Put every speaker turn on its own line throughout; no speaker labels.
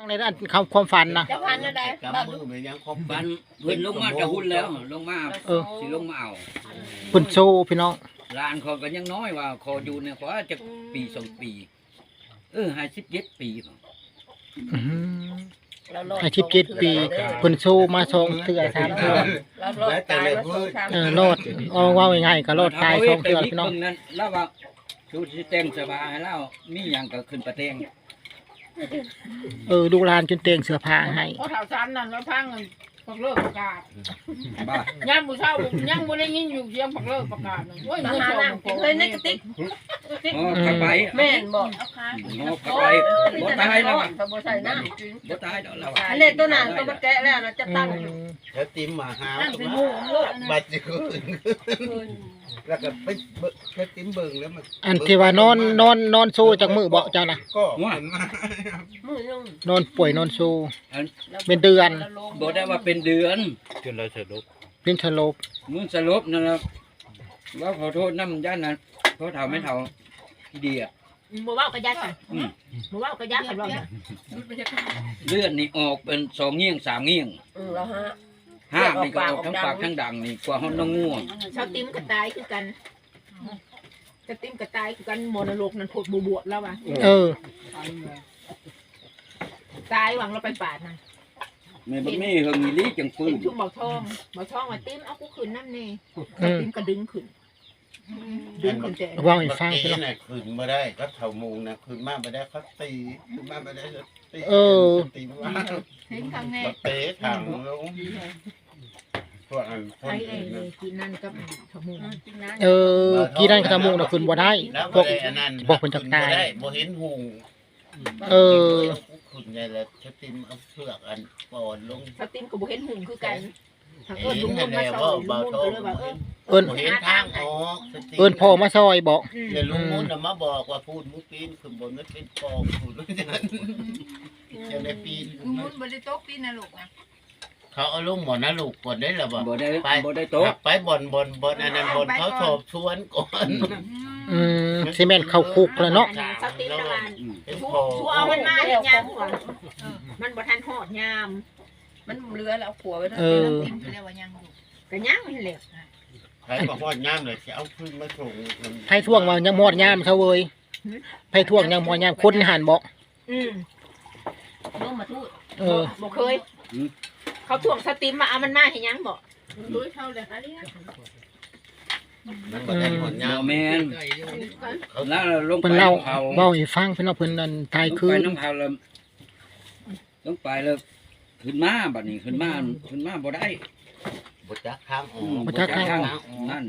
ในด้านความฝันนะ
จะพันอะไร
กำมือไปยังครบ
บันเพิ่นลงมาจะหุ่นแล้วลงมาสิลงมาเอา
ปุ่นโซพี่น้อง
หลานเขาก็ยังน้อยว่าขออยู่เนี่ยขอจะปี2 ปี57 ปี
อื้อหือให้17 ปีปุ่นโซมา2 เทื่อ3 เทื่อ
เราลดตายมา2-3
รอดเอาว่าง่ายๆก็รอดตาย2 เทื่อพี่น้อง
นั้นแล้วว่าชูสิแต่งสบายให้เรามีหยังก็ขึ้นประเทง
ดูลานจนเตียงเสื้อผ้าให้
เพราะแถวชั้นนั่นแล้วพังปักเลิกประกาศ
บ้า
ย่ามผู้เช่ายังบ่ได้ยินอยู่เสียงปักเลิกประกาศเลยโอ้ย
มา
เงิน
หา
ทอง
น้ำเคยในกระติก
อ๋อขับไป
แม่นบอก
อ๋อขับไปบ่ตายแล้วอะ
เขาบ่ใส่น้ำกิน
บ่ตายแล้วเรา
อันนี้ตัวนั้นตัวมาแกะแล้วเราจะตั้งอยู่
แล้วติมมาหา
นั่นเป็นหมู่โลก
บัดจะขึ้นแล้วก็ไปแค่ติมเบิ่งแล้วมัน
อันที่ว่านอนโซจากมือเบาะเจ้านะ
ก็มันมา
มือนึง
นอนป่วยนอนโซเป็นเดือน
บ่ได้ว่าเป็นเดือน
จนเราสะดุก
เป็นสลบ
มึงสลบนั่นล่ะว่าขอโทษนำย่านนั้นเพราะเฒ่าไม่เฒ่าที่ดีอ่ะ
บ่เว้ากระยัดกันบ่เว้ากระยัดกันว่า
เลือดนี่ออกเป็น2เงี้ยง3เงี้ยง
แล้วฮะ
ห้านี่ก็ออกทั้งปากทั้งดังนี่กว่าเฮาน้องง่วง
ชาวติ้มกระตายคือกันกระติ้มกระตายคือกันมรดกนั่นโพดบวชแล้วว่ะ ตายหวังเราไปปาดนะ
แม่บ่มีเฮิงอีหลีจังฟื้
เห็
น
นชุ่มเบาทองว่าติ้มเอากูขึ้นน้ำเน่ติ้มก็ดึงขึ้นแต่
ว่างอีกฟัง
พี่
พี่น้อง
น่ะขึ้นมาได้ก็เท่ามุงนะขึ้นมาไม่ได้เขาตีขึ้นมาไม่ได้ตีตีมา
เห็นครั้งแร
ก็
ก
เตะถังลงพวกอันค
ไอ้
น
ไอ้
อื่นนะ
กินนั่นกับขมู
กี่ด้านกระทำมุงนะคุณบ่ได้
แล้ว
พวก
ได้อันนั้น
บอกคนจักตาย
ได้บ่เห็นหุง ขึ้นไงแล้วชะติมเอาเชือกอันปอนลง
ชาวติ้มกับบุเห็นหุ่งคือกันทางเอิ
เห็
ญ
น
ลุงม
แต่
น
แล้
มาว ซอ
ว่าย
ลุง
เบาม
น
โต
ก็เลยว่า
เอิ้น
บ่เห็นทางออก
เอิ้นพ่อมาซอยบอก
เดี๋ยวลุงมุ่นน่ะมาบอกว่าพูดมุกปีนขึ้นบนนั้นเป็นกองพูดอย่างนั้นจะได้ปีน
ลุงมุนบริโต๊ะปีนนะลูกนะ
เขาเอาลงหมอนะลูกก่อนได้หรอบ่
บ่ได้
ไป
บ่ได้โต๊ะ
ไปบ่อนอันนั้นบ่อนเขาสอบสวนก่อน
ซีเมนต์เข้าคุกแล้วเนาะ
ชาวติ้มละมัน
เป็น
ชู
พอ
เอามันมาเห็นยามก่อนมันบ่ทันหอดยาม
มันเรือแล้วขัวไว้ทั้ง
ติ้มเรียกว่ายังอยู่ก็ยังมันเหลว
ใครบอกว่าย่ามเลยสิเอาขึ้นมาส่ง
ไผท่วงว่ายังหมอดยามเขาเว้ยไผท่วงยังหมอดยามคนหันบอก
ลงมาทูด
บ่เคยเขาถ่วงสติมมาเอามันมาให้ยังบ่รู้เท่าเลยค่ะเนี่ย
มันบ่ได้หมดย่า
บ่
ม
แม่น
เขา
แล้วลงไป
เพิ่นเล่า
เผา
เว้าให้ฟังพี่น้องเพิ่นนั่นตาย
ลง
คื
ไป
น
น้ำเผาแล้วลงไปแล้วขึ้นมาบัดนี้ขึ้นมาบ่ได้
บ่จักทางออก
บ่จักทางออก
นั่น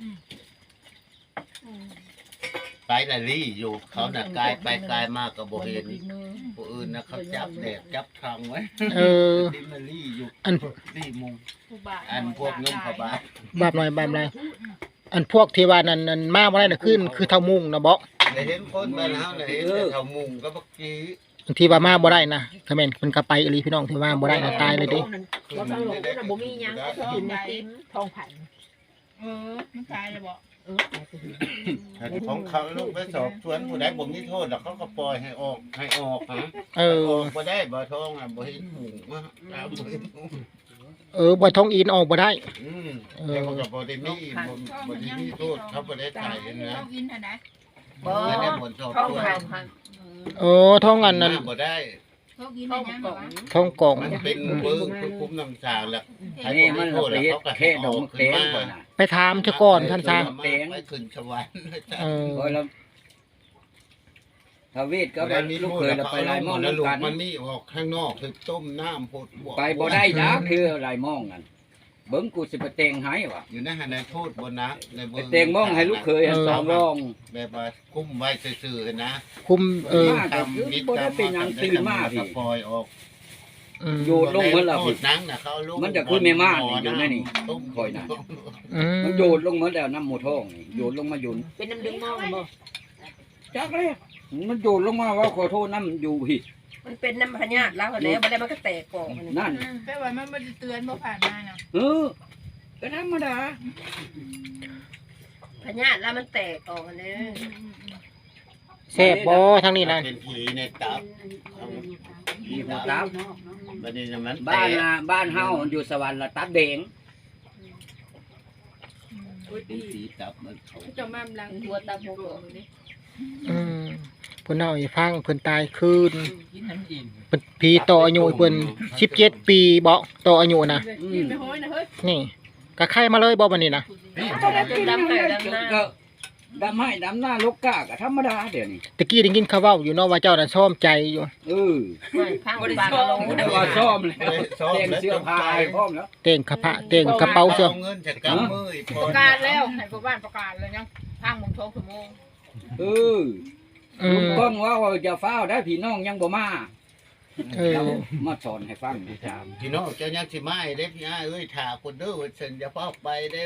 ไปละลี่อยู่เขาน่ะกายไปกายมากก็บ่เห็นผู้อื่นน่ะเขาจับแดดจับทางไว้ติมาลี่อยู่
อัน
ลี่มุงอันพวกเงินเขาบ้า
บาปหน่อยบาปหน่อยอันพวกที่ว่านั่นมาบ่ได้น่ะคือเท่ามุงนะบ่
ได้เห็นคนบ้านเฮาน่ะเห็นแต่เขามุงก็บักกี้
ที่ว่ามาบ่ได้นะถ้าแม่นเพิ่นก็ไปอีหลีพี่น้องที่ว่าบ่ได้น่ะตายเลยดิ
เราทางหลงน่ะบ่มียังก็กินในติ้มทองผันมันตายเลยบ่
ของเขาลูกไปสอบสวนผู้ใดบ่มีโทษแล้วเขาก็ปล่อยให้ออกฮะออกบ่ได้บ่ท้องอ่ะบ่เห็นหุงมาบ่เห็นหุง
บ่ท้องอินออกบ่ได้
แต่ก็บ่ได้มีบ่ได้มีโทษเขาบ่ได้ตายนะ
กินอันไหน
บ่
ไม่ได้หมดสอบ
ท้อง
สวน
พัน
ท้องอันนั้น
บ่ได้
เขากิน
ท้
อั
อน ง
ยัง
กล่อง
ท้องกล่อง
มันเป็นเบิ่งคือคุมน้ำชาแล้ว
อันนี้มันเอาไปเฮ็ดแค่ดอกมะเขือก่อนน่ะ
ไปถามเจ้าก่อนท่านซะ
ไปขึ้นสวรรค์
โอ้ยแล้วทวีตก็
ก็
บ่
มี
ลู
ลู
ก
ก
เค
เค
ย
ย
แล้
แล้ว ว
ไป
ไป
หลายหม้อ
แล้ว
นำ
ลูก
กัน
มันมีออกข้างนอกคือต้มน้ำพด
ไปบ่ได้ดอกคือหลายหม้องกันเบิ่งกูสิไปแต่งให้ว่ะ
อยู่ในหันในโทษบนนะใน
ไปแต่งหม้องให้ลูกเคยให้สองรอง
แบบว่าคุ้มไว้ซื่อๆนะ
คุม
ทำมิตรกรรมปล่อยออก
โยนลงเหมือนละ
โทษนังนะเขาลง
มันจะคือแม่ม่านนี่อยู่ในนี่
ต้ม
คอยนะ
อืม
มันโยนลงเหมือนแล้วน้ำหมูทองนี่โยนลงมาโยน
เป็นน้ำดึงมองบ่
จักเลยมันโยนลงมาว่าขอโทษน้ำอยู่พี่
มันเป็นน้ำพญาตแล้วแล้วบ่ได้มันก็แตกกล่อง
นั่น
แปลว่ามันไม่ได้เตือนบ่ผ่านมาเนาะ
ก็ธรรมดา
พญาตแล้วมันแตกกล่องนี่
แซ่บบ่ทางนี้นั่น
เป็นผีในตับ
มีหัวตับ
บัดนี้มัน
บ้านเฮาอยู่สวรรค์ละตับแดง
เป็นสีตับมันเขา
จะมาลัง
ตัวตาโบก
อืมเพิ่นเอาให้ฟังเพิ่นตายคืน
กินน้ำอิ่ม
เพิ่นผีต่ออายุเพิ่น17 ปีบ่ต่ออายุนะ
กินไปห้อยนะเฮ้ย
นี่ก็ไข่มาเลยบ่บัดนี้นะ
จนดำให้ดำหน้า
ก็ดำให้ดำหน้าลกกาก็ธรรมดาเดี๋ยวนี้
ตะกี้ได้ยินเขาเว้าอยู่เนาะว่าเจ้าน่ะซ่อมใจอยู่
ข้างปากลง
แต่ว่าซ่อมแล้วแต่งเสื้อผ้าให้พร้อมแล้ว
เต่งกระพะเต่งกระเป๋าเสื้อ
เงินจากกำมือ
ประกาศแล้วให้พ่อบ้านประกาศเลยยังทางมงทองชั่วโมง
อื
ลุง
ม
ก้องว่าจะเฝ้าได้พี่น้องยังบ่มา
เออ
เรามาสอนให้ฟัง
พี่น้องเจ้ายังสิมาเด้พี่อ้ายเอ้ยถ่าคนเด้อว่าฉันจะพาไปได้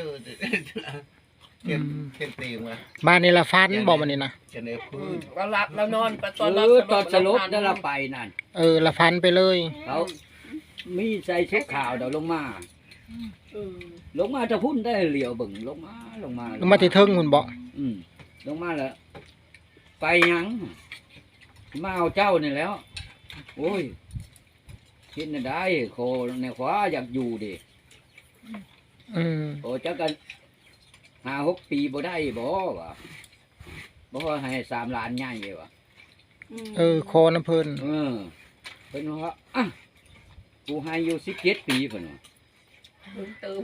เข้มตีมา
บ้านนี่ละฟันบ่บัดนี้นะ
จะในพื้น
เราหลับเรานอนตอน
ตอนสลบได้ละไปนั่น
ละฟันไปเลย
เขามีใส่ชุดขาวเดี๋ยวลงมาลงมาจะพุ่นได้เหลียวเบิ่งลงมา
ลงมาที่เทิงหุ่นบ่
ลงมาแล้วไปยังมาเอาเจ้านี่แล้ว โอ้ยคิดน่ะได้โคในขวาอยากอยู่ดิ
อืม
โอ้จักกัน5-6 ปีบ่ได้บ่วะบ่ให้3 ล้านใหญ่วะ
คอน้ำเพิ่น
เพิ่นว่าอ่ะกูให้อยู่17 ปีเพิ่นว่า
เติม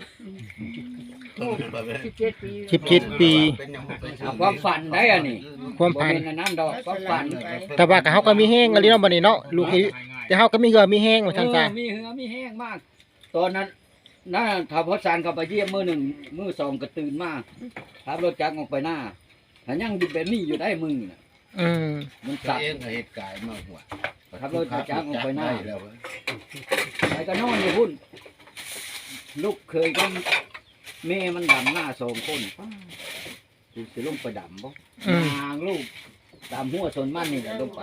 17 ปี
เอาความฝันได้อันนี้
ความ
บ่
พัน
แม่นอันนั้นดอกความฝัน
แต่ว่าก็เฮาก็มีแห้งอะลิเนาะบัดนี้เนาะลูกแต่เฮาก็มีเหือมีแห้งว่าซั่นซะ
มีเหือมีแห้งมาก ตอนนั้นน่าถ้าพอสารเข้าไปเยี่ยมมื้อหนึ่งมื้อสองก็ตื่นมาขับรถจักรออกไปหน้าถ้ายังอยู่แบบนี้อยู่ได้มึงน่ะ
อืม
มัน
สั
สั
ต
ต
ว์
ว์
เองเหตุการณ์มาหัว
ขับรถจักรออกไปหน้า
แล้ว
ไปก็นอนอยู่พุ่นลูกเคยก็แม่มันดำหน้า2 คนกูสิลงไปดำบ่ นางลูกตามหัวชนมันนี่แหละลงไป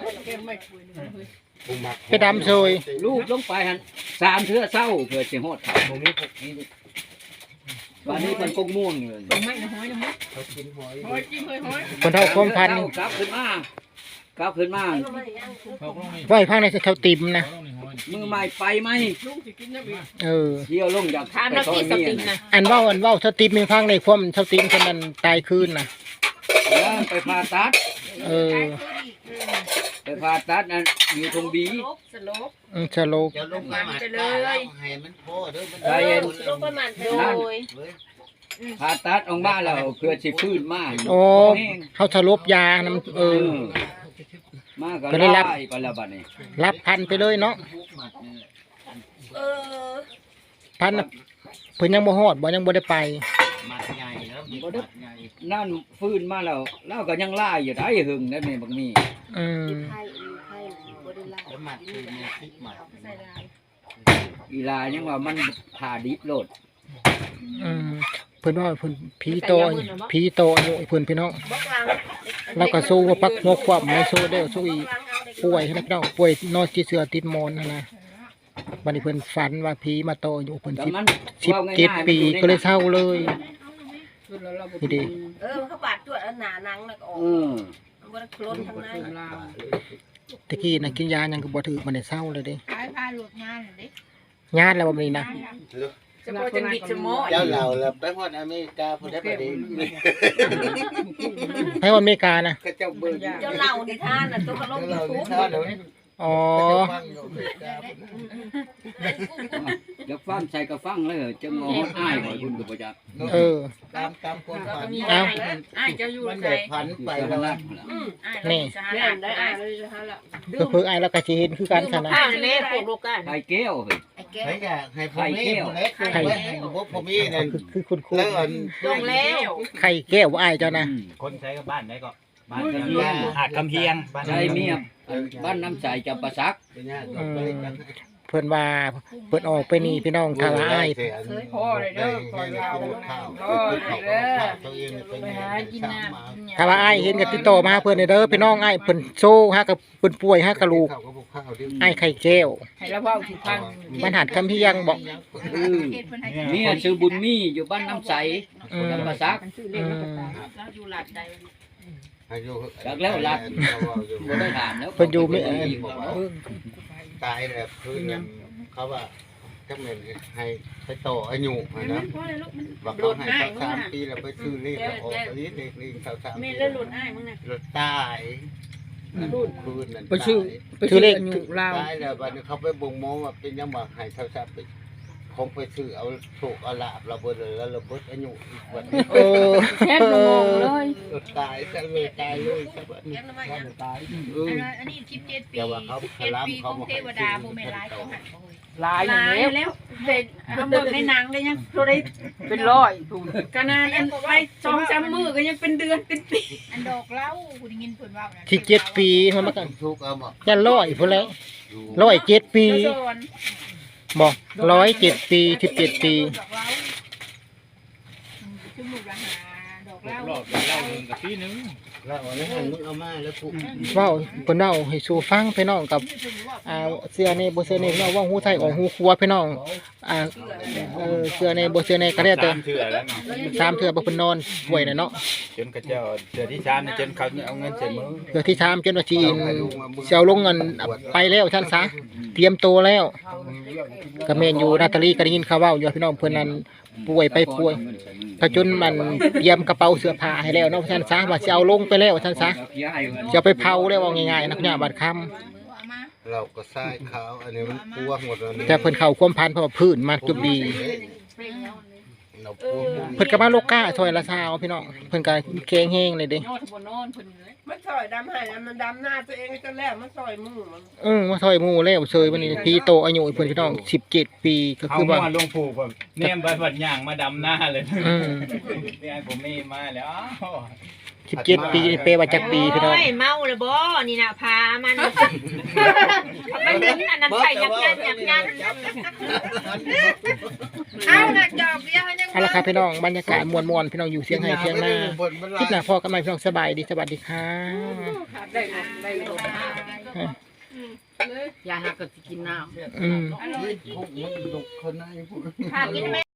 ไปดำโซย
ลูกลงไปหัน3 เทื่อเศร้าเพื่อสิฮอดเขาบ่มีพวกนี้วันนี้มันกงม่วงเลย
ตรงไม่นะห้อยนะห้อย
เขากินหอย
ห้อยจิ้มห้อยห้อย
คนเท่าความพัน
กลับขึ้นมากลับขึ้นมา
เขาก็ไม่
ไว้พังในเท่าติ่มนะ
เขาต้องในหัว
มือใหม่ไปไหม
ลุงสิกินน้ำอีก
เที่ยวลงจาก
ทานน้ำที่สตินะ
อันเว้าเท่าติ่มมีพังในความเท่าติ่มคนนั้นตายคืนน่ะ
แล้วไปผ่าตัด
เออ
ไปผ่าตัดนั่นอยู่ตรงบี
สลบ
สโลก
จะลงมาเลยให้มันพอเด้อมัน
ลงประมาณโดย
ผ่าตัดออกมาแล้วเพื่อสิฟื้นมา
โอ้เฮาสลบยานํ
มาก็
ก็ได้รับ
ไล่ไปแล้วบัดนี้
รับพันไปเลยเนาะ พันน่ะเพิ่นยังบ่ฮอดบ่ยังบ่ได้ไป
มัดใหญ่แล้วมัดใหญ่
นั่นฟื้นมาแล้วเราก็ยังไล่อยู่ได้หึงได้แม่บักนี้
อืม
แล้วมัดคือเนี่ยคิดมัด
อีลายังว่ามันผ่าดิบโลด
อืมเพิ่นว่าเพิ่นผีโตอายุเพิ่นพี่น้อง
บกลัง
แล้วก็สู้ว่าปักหัวความไม่สู้ได้สู้อีกป่วยนะพี่น้องป่วยนอนที่เสือติดหมอนนั่นนะบัดนี้เพิ่นฝันว่าผีมาโตอยู่เพิ่น
แต่มัน
17 ปีก็เลยเศร้าเลยนี่ดิ
เขาบาดตัวหนานังแล้วก็ออก
เออ
มันคล้นทางใน
ตะกี้น่ะกินยายังก็บ่ถือมันได้เศร้าเลยเด้
ขายพาหลุดงานเลย
ญาติแล้วบ่นี้นะ
จะพอจะบิดจะม้อ
เจ้าเหล่าแล้วไปฮอดอเมริกาพุ่นได้บ่ดี
ให้วันอเมริกานะ
ก็เจ้าเบิ่ง
เจ้าเหล่านิทานน่ะตัวกระลง
เรา
ทุ
นี่
ก
ท่าเดี๋ยว
อ๋อ
เดี๋ยวฟังใส่ก็ฟังเลยจะงออ้ายบ่คุณก็บ่จัก
เออ
ตามคนฝัน
เอา
อ้ายเจ้าอยู่
มัน
ใคร
ได้พันไปแล้ว
นี่
แม่ได้อ้ายเลยจะหาละ
เพิ่นอ้ายแล้วก็สิเห็นคือกันคั่นนะ
ข้าวเล่พวกลูกกัน
ไข่แก้วเฮ้ย
ให้แกให้พ่อแม่คนเล็กให้พวกพ่อแม่นั่น
คือคุณครู
แล้วอัน
ลงแล้ว
ไข่แก้วอ้ายเจ้านะ
คนใช้กับบ้านได้ก็บ้าน
อาจคำเพียง
ใช่เมียบ้านน้ำใสจำปาสัก
เพิ่นว่าเพิ่นออกไปนี่พี่น้องถ้าว่าอ้าย
พ่อเลยเด้อพ่อเราพ่อเลยเด้อไปหากินน้ำ
ถ้าว่าอ้ายเห็นก็ติดต่อมาหาเพิ่นเด้อพี่น้องอ้ายเพิ่นโซฮะกับเพิ่นป่วยฮะกับลูกอ้ายไข่แก้ว
ให้เราเว้าสิฟัง
มันหัดคำเพียงบอก
เมียชื่อบุญมีอยู่บ้านน้ำใส
อืม
จำปาสัก
เราอยู่หลัดใด
จากแล้วรัดบ่ได้ถามแล้ว
เพิ่นอยู่ไม่
ตายแล้วคือเขาว่าจังแม่นให้ต่ออายุนะว่าเขาให้สัก3 ปีแล้วไปซื้อเลขแล้วออกอันนี้เลขลิง3
แม่
ปี
เล่นหลุดอ้ายมึงน่ะ
รถตายรูดคืนนั่น
ไปชื่อเลขอยู่ลาว
ตายแล้วบัดนี้เขาไปบ่งมองว่าเป็นยังว่าให้เท่าซับไปคงไปซื้อเอาโชคเอาลาบเราเบิดเลยแล้วเราเบิดอายุอีกวันนี้
เออ
แค่งงเลย
รถตายซะเลยตายเลยซะบัดนี้
เลี้ยงน้ำมันยัง
ตาย
อันนี้17 ปี
แต่ว่าเขาพลัม
ปีข
เขา
อง
บอก
เทวดาบ่แม่นหลายเขาหันบ่เฮ้ย
ลายอย่างนี้
แล้วเด็กก็เบิกในหนังเลยยังโทรได้
เป็นร้อยถูก
ขนาดอันไป2-3 มื้อก็ยังเป็นเดือนเป็นปี
อันดอกเหล้ากูได้ยินเพิ่นเว้านะ
ที่7 ปีมันมากัน
ทุกเอาบอก
ยัน100พุ่นแล้ว107 ปี
โซน
บ่107 ปี17 ปี
ดอกเหล้าชุมลูกละหาดอกเหล้าร
อบเล่าหนึ่งกับปีหนึง
แล้ววันนี้มึงเอามาแล้วกู
เว้าเพิ่นเว้าให้สู่ฟังพี่น้องกับเสื้อนี่บ่เสื้อนี่พี่น้องเว่าฮู้ไทยออกฮู้ครัวพี่น้องเสื้อนี่บ่เสื้อนี่ก็ได้แต่
3 เทื่อแล้วเนาะ
3เทื่อบ่เพิ่นนอนป่วยน่ะเนาะ
จนกระเจ้าเทื่อที่3นี่จนเขาเอาเงินใส่มือ
เทื่อที่3จนว่าสิสิเอาลงเงินไปแล้วท่านซะเตรียมตัวแล้วก็แม่นอยู่นาตาลีก็ได้ยินข่าวเว้าอยู่ว่าพี่น้องเพิ่นนั้นป่วยไปป่วยก็จนมันเตรียมกระเป๋าเสื้อผ้าให้แล้วเนาะท่านซะว่าสิเอาลงไปแล้วท่านซะจะเอาไปเผาแล้วว่าง่ายๆนะเนี่ยบัดค่ำ
เราก็ทรายขาวอันนี้มันกลัวหมดแล้วนี่
แต่เพิ่นเข้าความพันเพราะว่าพื้นมันจุบดี
เรากลัว
เพิ่นก็มาโลก้าซอยละซาวพี่น้องเพิ่นก็แข็งแฮงเลยเด้
นอนบนนอนเพิ่นเลย
มันซอยดำให้แล้วมันดำหน้าตัวเองจนแล้วมันซอยมือมัน
มาซอยหมู่แล้วเซยวันนี้พี่โตอายุเพิ่นพี่น้อง17 ปีก็
เขา
คือว่า
มาลงผูกแบบเนี่ยบัดบัดย่างมาดำหน้าเลย
อืม
เนี่ยผมมีมาแล้วอ้าว
17 ปีนี่เปว่าจักปีพี่น้อง
โอ้ยเมาเลยบ่นี่น่ะพามันมันเห็นอันนั้นใส่ยักยัน
เอาหนักดอกเดียวยัง
เอาละครับพี่น้องบรรยากาศม่วนๆพี่น้องอยู่เสียงไห้เสียงหน้าคลิปหน้าพอกันใหม่พี่น้องสบายดีสวัสดีค่ะ
ยาหักก็สิกินน้ำ
อืม
พวกมันดุคนไหนพวก
พากินแม่